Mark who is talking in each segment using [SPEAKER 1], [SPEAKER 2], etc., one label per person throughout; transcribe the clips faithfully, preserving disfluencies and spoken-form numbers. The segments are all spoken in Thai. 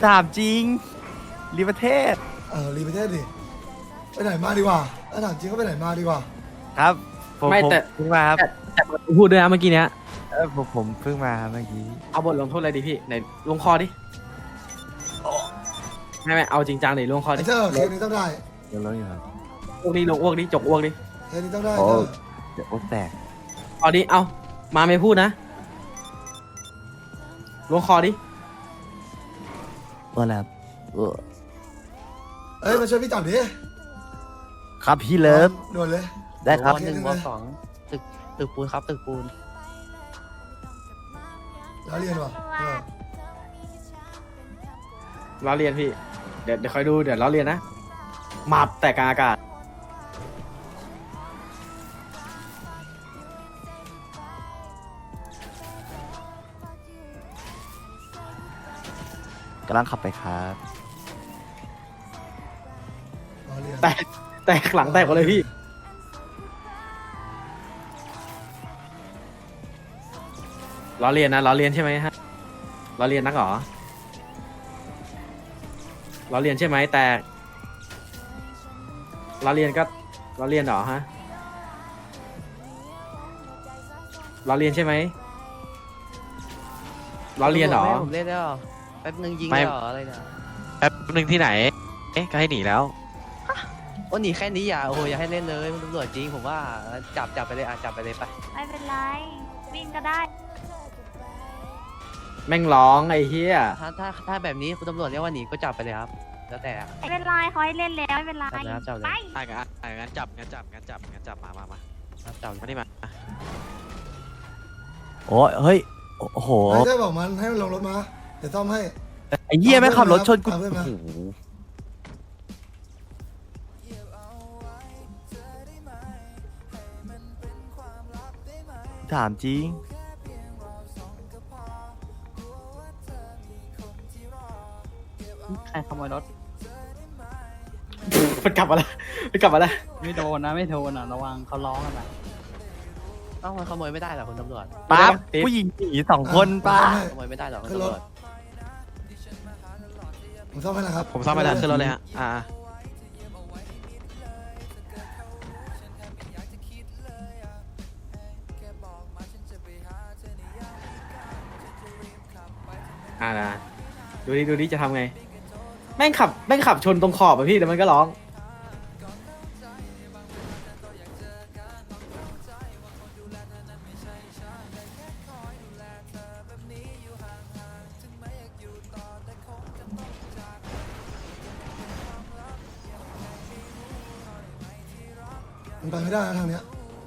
[SPEAKER 1] ถามจริงรีประเทศ
[SPEAKER 2] เออรีประเทศดิไปไหนมาดีกว่าถ้าถามจริงก็ไปไหนมาดีกว่า
[SPEAKER 1] ครับผม
[SPEAKER 3] ไม่
[SPEAKER 1] ผม
[SPEAKER 3] แต่
[SPEAKER 1] เพิ่งมาครับ
[SPEAKER 3] แต่แต่พูดด้วยนะเมื่อกี้เนี้ย
[SPEAKER 1] เออผมผมเพิ่งมาเมื่อกี้
[SPEAKER 3] เอาบทลงโทษอะไรดีพี่ไหนลงคอดิไม่ไม่เอาจริงจังดิลงคอ
[SPEAKER 2] ไอ้
[SPEAKER 3] ดิ
[SPEAKER 2] เจ้าเคสนี้ต้องได้
[SPEAKER 1] เดี๋ยวแล้วอยู่ครับ
[SPEAKER 3] อ้วกดิลงอ้วกดิจกอ้วกดิ
[SPEAKER 2] เคสนี้ต้องได้
[SPEAKER 1] โอ้
[SPEAKER 2] เจ้า
[SPEAKER 1] เดี๋ยวโอ๊ตแตก
[SPEAKER 3] เอาดิเอามาไม่พูดนะลงคอดิ
[SPEAKER 1] ว่าแล้วเออ
[SPEAKER 2] เอ้ยมาช่วยพี่จับดิ
[SPEAKER 1] ครับพี่เลิฟ
[SPEAKER 2] ด่วนเลย
[SPEAKER 1] ได้ครับ
[SPEAKER 2] หนึ่งวสอง
[SPEAKER 4] ตึกตึกปูนครับตึกปูน
[SPEAKER 2] แล้วเรียนว่ะเออ
[SPEAKER 3] เราเรียนพี่เดี๋ยวเดี๋ยวคอยดูเดี๋ยวเราเรียนนะมาบแต่กลางอากาศ
[SPEAKER 1] กำลังขับไปครับ
[SPEAKER 2] ล้อเรียน
[SPEAKER 3] แตกแตกหลังแตกหมดเลยพี่เราเรียนนะเราเรียนใช่ไหมฮะเราเรียนนักเหรอเราเรียนใช่ไหมแต่เราเรียนก็เราเรียนเหรอฮะเราเรียนใช่ไหมเราเรียนเหรอ
[SPEAKER 4] ไม่ให้ผมเล่นได้หรอแป๊บนึงยิง
[SPEAKER 5] ไม่
[SPEAKER 4] ได้หรออะไรนะ
[SPEAKER 5] แป๊บหนึ่งที่ไหน เอ๊ะก็ให้หนีแล้ว
[SPEAKER 4] โอ้หนีแค่นี้อย่าโอ้โหอย่าให้เล่นเลยมันตำรวจจริงผมว่าจับจับไปเลยอ่ะจับไปเลยไป
[SPEAKER 6] ไม่เป็นไรวิ่งก็ได้
[SPEAKER 3] แม่งร้องไอ้เหี้ย
[SPEAKER 4] ถ้าถ้าถ้าแบบนี้คุณตำรวจเรียกว่าหนีก็จับไปเลยครับแล้วแต่อ่ะ
[SPEAKER 6] ไม่เป็นไรเขาให้เล่นแล้วไม่เป็นไร
[SPEAKER 4] จับเลยครับจับเลย
[SPEAKER 6] ไป
[SPEAKER 5] อ่ะงั้นอ่ะงั้นจับงั้นจับงั้นจับงั้นจับมามามา
[SPEAKER 4] ครับจับ
[SPEAKER 5] มานี่มา
[SPEAKER 1] โอ้ยเฮ้ยโอ้โห
[SPEAKER 2] ไอ้เจ้าบอกมันให้มันลงรถมาเดี๋ยวซ่อมให้
[SPEAKER 1] ไอ้เหี้ยแม่งขับรถชนกู
[SPEAKER 2] เอาเพื่อนมา
[SPEAKER 1] โอ้โหถามจริง
[SPEAKER 7] ใครขโมยรถ
[SPEAKER 3] มันกลับมาแล้วมันกลับมาแล้ว
[SPEAKER 7] ไม่โดนนะไม่โดนอ่ะระวังเขาร้องกันนะ
[SPEAKER 4] เอ้ามันขโมยไม่ได้หรอคุณตำรวจ
[SPEAKER 1] ปั๊บผู้หญิงหนีสองคนป้า
[SPEAKER 2] ซ่อมให้
[SPEAKER 4] ขโมยไม่ได้หรอคุณ
[SPEAKER 2] ขึ้นร
[SPEAKER 4] ตำร
[SPEAKER 2] ถ
[SPEAKER 4] วจ
[SPEAKER 2] ผมซ่อมให้นะครับ
[SPEAKER 5] ผมซ่อมไปแล้วขึ้นรถเลยฮะ อ่า
[SPEAKER 3] อ่านะดูดิดูดิจะทำไงแม่งขับแม่งขับชนตรงขอบอะพี่แล้วมันก็ร้อง
[SPEAKER 2] มันไปไม่ได้นะทางเนี้ย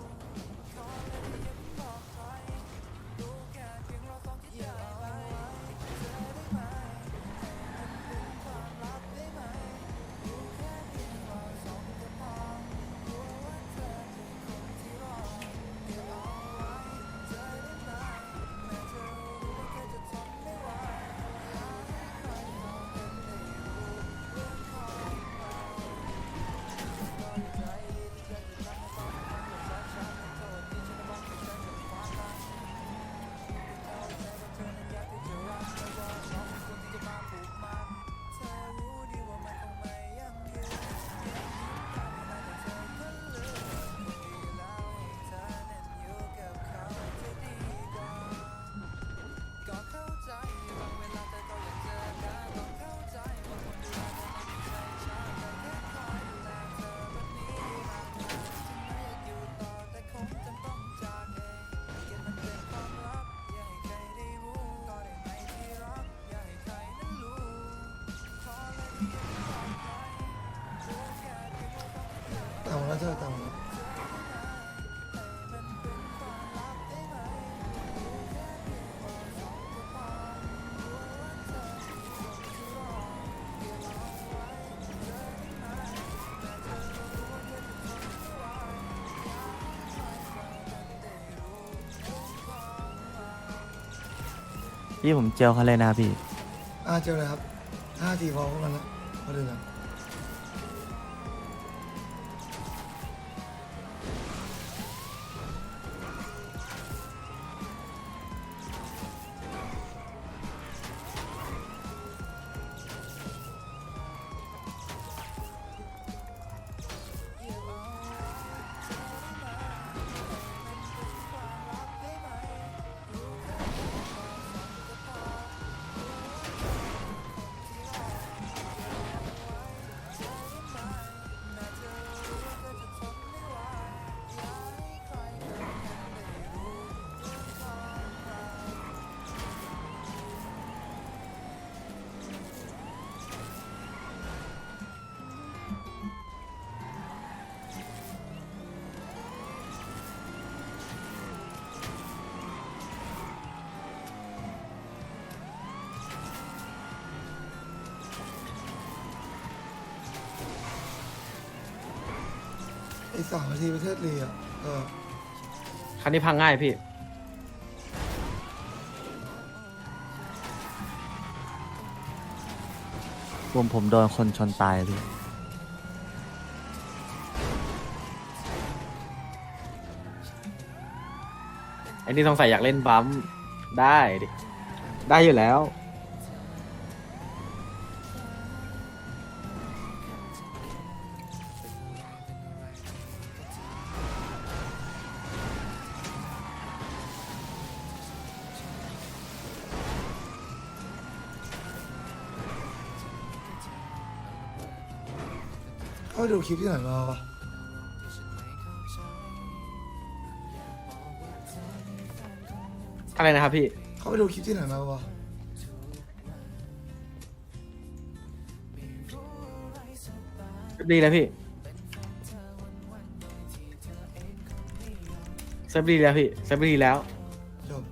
[SPEAKER 2] ตามมาแล้วเจ้าตามมาแล้ว
[SPEAKER 1] พี่ผมเจลเขาเลยนะพี่
[SPEAKER 2] อ่าเจอเลยครับห้าทีพอพวกมันละมาดูกันสามนาทีประเทศลีอ่ะเออ
[SPEAKER 3] คันนี้พังง่ายพี่
[SPEAKER 1] ผมผมโดนคนชนตายพี่
[SPEAKER 3] ไอ้นี่ต้องใส่อยากเล่นบัมป์ได้ดิ ได้อยู่แล้ว
[SPEAKER 2] เขาไปดูคลิปที่ไหนมาวะ
[SPEAKER 3] อะไรนะครับพี่
[SPEAKER 2] เขาไปดูคลิปที่ไหนมาวะ
[SPEAKER 3] ดีแล้วพี่เซฟดีแล้วพี่เซฟดีแล้ว
[SPEAKER 2] จบ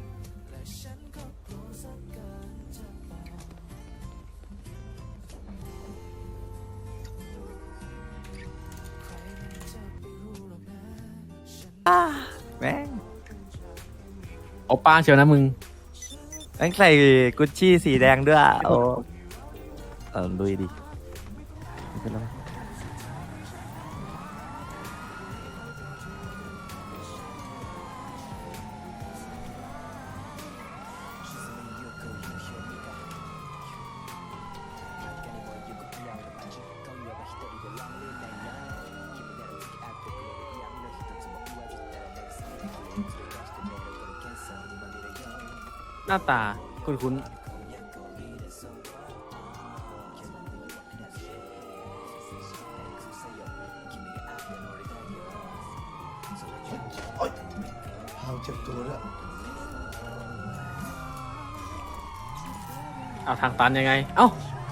[SPEAKER 1] แม่ง
[SPEAKER 3] โอป้าเชียวนะมึง
[SPEAKER 1] แม่งใส่กุชชี่สีแดงด้วยโอ้เออลุยดิไม่เป็นไร
[SPEAKER 3] หน้าตาคุ้นคุ้น
[SPEAKER 2] โอ๊ยพาวเจ็บตัวด้วย
[SPEAKER 3] ๆเอาทางตันยังไง เอ้า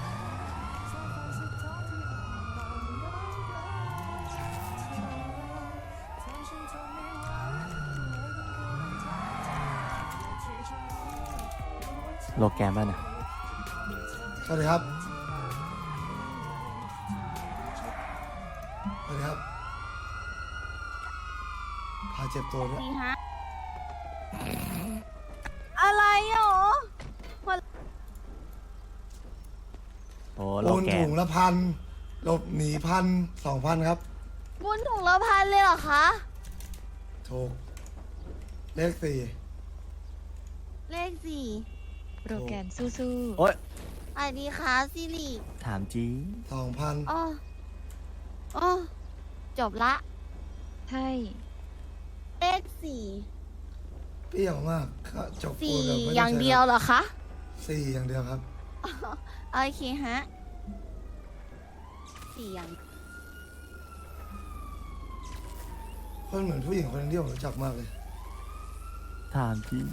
[SPEAKER 1] โลแกนป่ะเนี่ย
[SPEAKER 2] สวัสดีครับสวัสดีครับพาเจ็บตัวด้วย
[SPEAKER 6] นี่ฮะ อะไรหรอ
[SPEAKER 1] โอ้โล
[SPEAKER 2] ปูน
[SPEAKER 1] แก
[SPEAKER 2] ถุ
[SPEAKER 1] น
[SPEAKER 2] งละพันหลบหนีพันสองพันครับ
[SPEAKER 6] บุญถุงละพันเลยเหรอคะ
[SPEAKER 2] ถูกเลขสี่
[SPEAKER 6] เลขสี่
[SPEAKER 8] โปรแกรมสู้
[SPEAKER 1] โอ๊ย
[SPEAKER 6] สวัสดีค่ะซิริ
[SPEAKER 1] ถามจริง
[SPEAKER 2] สองพัน
[SPEAKER 6] อ๋ออ๋อจบละ
[SPEAKER 8] ๆ ใช่
[SPEAKER 6] เลขสี่
[SPEAKER 2] เปรี้ยวมากก็จบปู
[SPEAKER 6] สี่
[SPEAKER 2] นแบบไม่ต้
[SPEAKER 6] อย่าง
[SPEAKER 2] ใช้
[SPEAKER 6] เดียวเหรอคะ
[SPEAKER 2] สี่อย่างเดียวครับ
[SPEAKER 6] โอเคฮะสี่อย่าง
[SPEAKER 2] เพราะเหมือนผู้หญิงคนนึงที่ผมรู้จักมากเลย
[SPEAKER 1] ถามจริง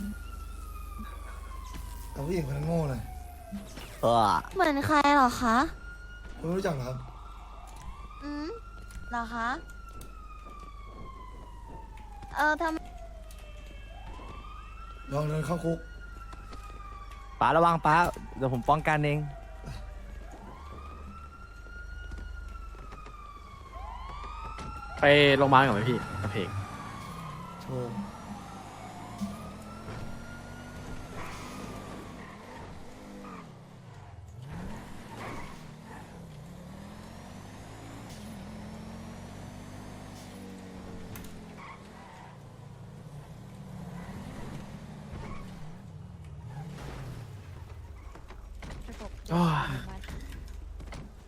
[SPEAKER 2] แต่ผู้หญิงคนนั้นโง่เลย
[SPEAKER 1] เออ
[SPEAKER 6] เหมือนใครเหรอคะ
[SPEAKER 2] คุณไม่รู้จักเหรอครับ
[SPEAKER 6] อืมเหรอคะ เออทำ
[SPEAKER 2] ลองเดินเข้าคุก
[SPEAKER 1] ป้าระวังป้าเดี๋ยวผมป้องกันเอง
[SPEAKER 3] ไปโรงพยาบาลก่อนไหมพี่กระเพก
[SPEAKER 2] โชว์